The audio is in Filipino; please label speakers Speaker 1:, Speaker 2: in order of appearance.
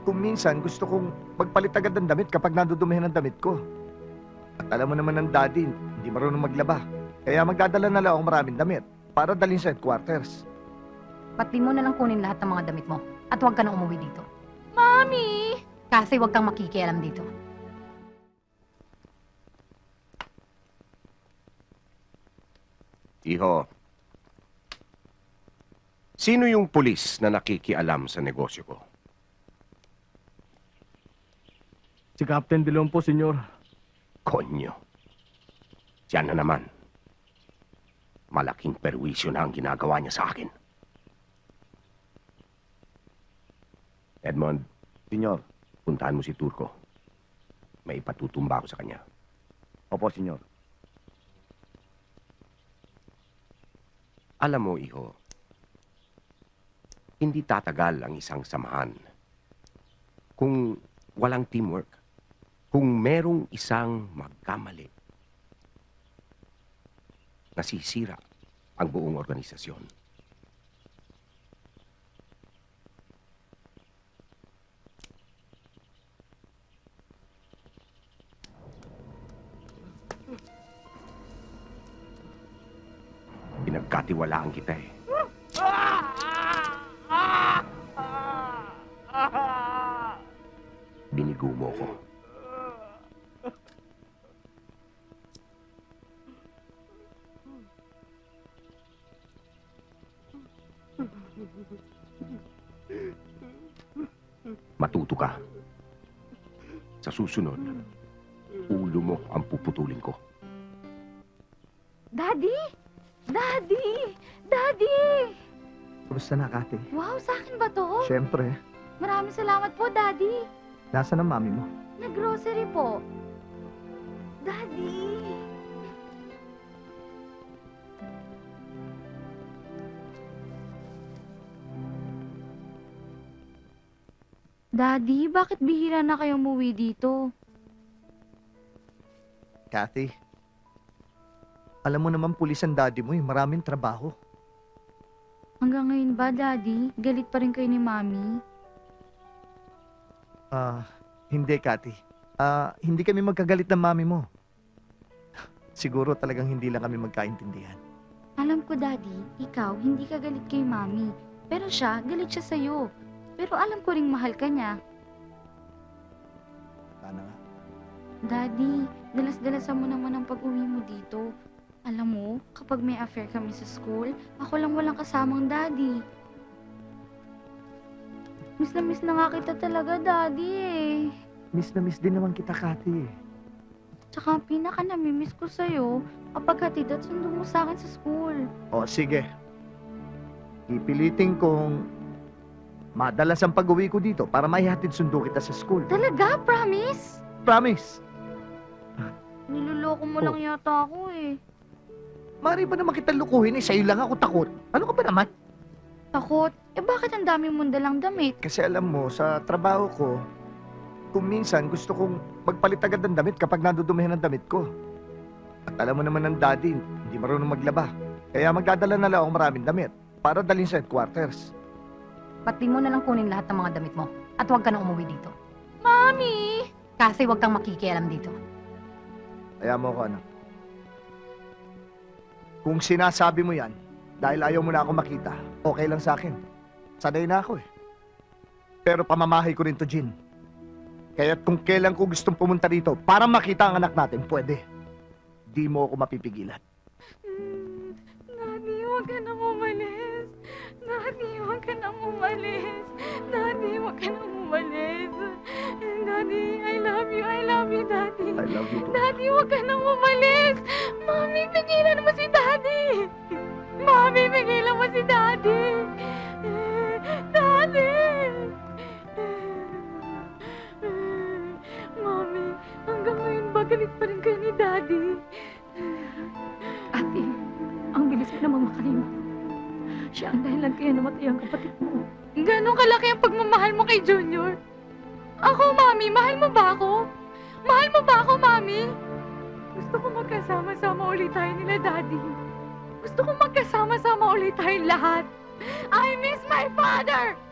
Speaker 1: Kung minsan gusto kong magpalit agad ng damit kapag nadudumihan ng damit ko. At alam mo naman ng daddy, hindi marunong maglaba. Kaya magdadala na lang ako maraming damit para dalhin sa headquarters.
Speaker 2: Ba't di mo na lang kunin lahat ng mga damit mo at huwag ka na umuwi dito? Mami! Kasi huwag kang makikialam dito.
Speaker 3: Iho, sino yung pulis na nakikialam sa negosyo ko?
Speaker 4: Si Captain De Leon po, senyor.
Speaker 3: Konyo. Diyan na naman. Malaking perwisyo na ang ginagawa niya sa akin. Edmond,
Speaker 1: Senyor.
Speaker 3: puntahan mo si Turco. May ipatutumba ako sa kanya.
Speaker 1: Opo, senyor.
Speaker 3: Alam mo, Iho, hindi tatagal ang isang samahan kung walang teamwork. Kung merong isang magkamali, nasisira ang buong organisasyon. Pinagkatiwalaan kita eh. Binigo mo ko. Matuto ka. Sa susunod, ulo mo ang puputulin ko.
Speaker 2: Daddy! Daddy! Daddy!
Speaker 1: Kumusta na, Kati?
Speaker 2: Wow, sa akin ba to?
Speaker 1: Siyempre.
Speaker 2: Maraming salamat po, Daddy.
Speaker 1: Nasaan ang mami mo?
Speaker 2: Nag-grocery po. Daddy! Daddy, bakit bihira na kayo umuwi dito?
Speaker 1: Kathy, alam mo naman pulis ang daddy mo, maraming trabaho.
Speaker 2: Hanggang ngayon ba, Daddy? Galit pa rin kayo ni Mami?
Speaker 1: Hindi, Kathy. Hindi kami magkagalit ng mami mo. Siguro talagang hindi lang kami magkaintindihan.
Speaker 2: Alam ko, Daddy, ikaw hindi ka galit kay Mami. Pero siya, galit siya sa'yo. Pero alam ko ring mahal ka niya.
Speaker 1: Sana nga.
Speaker 2: Daddy, dalas-dalasan mo naman ang pag-uwi mo dito. Alam mo, kapag may affair kami sa school, ako lang walang kasamang Daddy. Miss na nga kita talaga, Daddy eh.
Speaker 1: Miss na miss din naman kita, Kathy.
Speaker 2: Tsaka ang pinaka-namimiss ko sa'yo, kapag hatid at sundo mo sa akin sa school.
Speaker 1: O, sige. Ipilitin kong madalas ang pag-uwi ko dito para maihatid sundo kita sa school.
Speaker 2: Talaga? Promise?
Speaker 1: Promise!
Speaker 2: Niloloko mo lang yata ako eh.
Speaker 1: Mari ba naman kita lukuhin eh? Sa'yo lang ako takot. Ano ka ba naman?
Speaker 2: Takot? Eh bakit ang dami mong dalang damit?
Speaker 1: Kasi alam mo, sa trabaho ko, kung minsan gusto kong magpalit agad ng damit kapag nadudumihan ng damit ko. At alam mo naman ng daddy, hindi marunong maglaba. Kaya magdadala na lang ako maraming damit para dalhin sa headquarters.
Speaker 2: Ba't di mo na lang kunin lahat ng mga damit mo at huwag ka na umuwi dito? Mami! Kasi huwag kang makikialam dito.
Speaker 1: Kaya mo ko, anak. Kung sinasabi mo yan, dahil ayaw mo na ako makita, okay lang sa akin. Sanay na ako eh. Pero pamamahay ko rin to, Jean. Kaya't kung kailan ko gustong pumunta rito para makita ang anak natin, pwede. Di mo ako mapipigilan.
Speaker 2: Daddy, huwag ka na umalis. Daddy, huwag ka na umalis. Daddy, huwag ka na umalis. Daddy, I love you, Daddy.
Speaker 1: I love you too.
Speaker 2: Daddy, huwag ka na umalis. Mami, pigilan mo si Daddy. Mami, pigilan mo si Daddy. Daddy! Mami, hanggang ngayon ba galit pa rin kayo ni Daddy?
Speaker 5: Ate, ang bilis mo namang makalimot. Siya ang dahilan kaya namatay ang kapatid mo.
Speaker 2: Ganon kalaki ang pagmamahal mo kay Junior? Ako, Mami, mahal mo ba ako? Mahal mo ba ako, Mami? Gusto ko magkasama-sama ulit tayo nila, Daddy. Gusto ko magkasama-sama ulit tayong lahat. I miss my father!